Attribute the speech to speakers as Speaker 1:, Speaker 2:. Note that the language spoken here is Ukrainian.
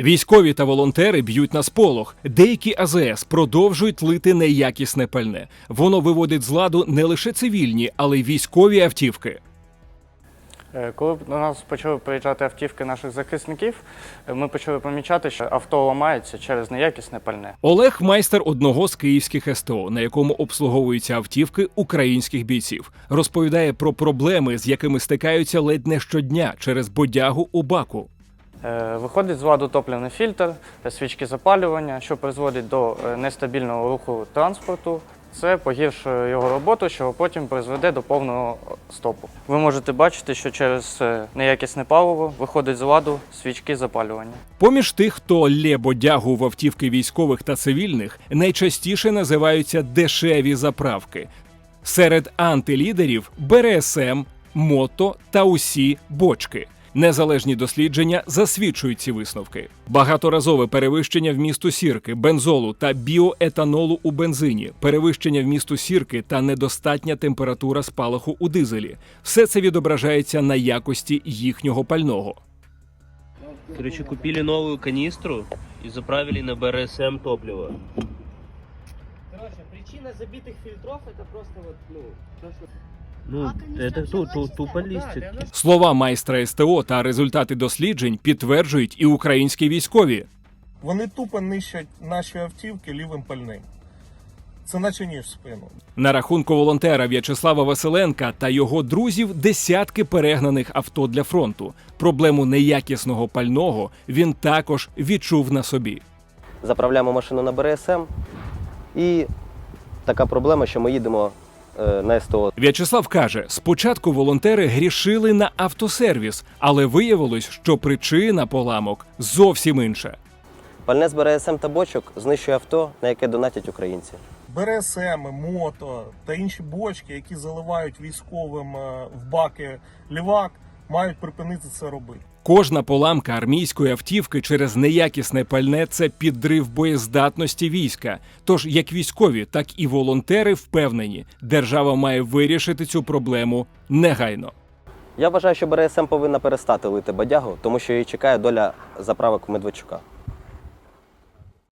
Speaker 1: Військові та волонтери б'ють на сполох. Деякі АЗС продовжують лити неякісне пальне. Воно виводить з ладу не лише цивільні, але й військові автівки.
Speaker 2: Коли до нас почали приїжджати автівки наших захисників, ми почали помічати, що авто ламається через неякісне пальне.
Speaker 1: Олег – майстер одного з київських СТО, на якому обслуговуються автівки українських бійців. Розповідає про проблеми, з якими стикаються ледь не щодня через бодягу у баку.
Speaker 2: Виходить з ладу топливний фільтр, свічки запалювання, що призводить до нестабільного руху транспорту. Це погіршує його роботу, що потім призведе до повного стопу. Ви можете бачити, що через неякісне паливо виходить з ладу свічки запалювання.
Speaker 1: Поміж тих, хто лє бодягу в автівки військових та цивільних, найчастіше називаються дешеві заправки. Серед антилідерів – БРСМ, мото та усі бочки. Незалежні дослідження засвідчують ці висновки. Багаторазове перевищення вмісту сірки, бензолу та біоетанолу у бензині, перевищення вмісту сірки та недостатня температура спалаху у дизелі – все це відображається на якості їхнього пального.
Speaker 3: Короче, купили новую канистру и заправили на БРСМ топливо.
Speaker 4: Короче, причина забитых фильтров это просто вот, то, что...
Speaker 3: Это тупо листик.
Speaker 1: Слова майстра СТО та результати досліджень підтверджують і українські військові.
Speaker 5: Вони тупо нищать наші автівки лівим пальним. Це наче ніж в спину.
Speaker 1: На рахунку волонтера В'ячеслава Василенка та його друзів десятки перегнаних авто для фронту. Проблему неякісного пального він також відчув на собі.
Speaker 6: Заправляємо машину на БРСМ і така проблема, що ми їдемо на СТО.
Speaker 1: В'ячеслав каже, спочатку волонтери грішили на автосервіс, але виявилось, що причина поламок зовсім інша.
Speaker 6: Пальне з БРСМ та бочок знищує авто, на яке донатять українці.
Speaker 5: БРСМ, мото та інші бочки, які заливають військовим в баки лівак, мають припинити це робити.
Speaker 1: Кожна поламка армійської автівки через неякісне пальне – це підрив боєздатності війська. Тож як військові, так і волонтери впевнені, держава має вирішити цю проблему негайно.
Speaker 6: Я вважаю, що БРСМ повинна перестати лити бодягу, тому що її чекає доля заправок Медведчука.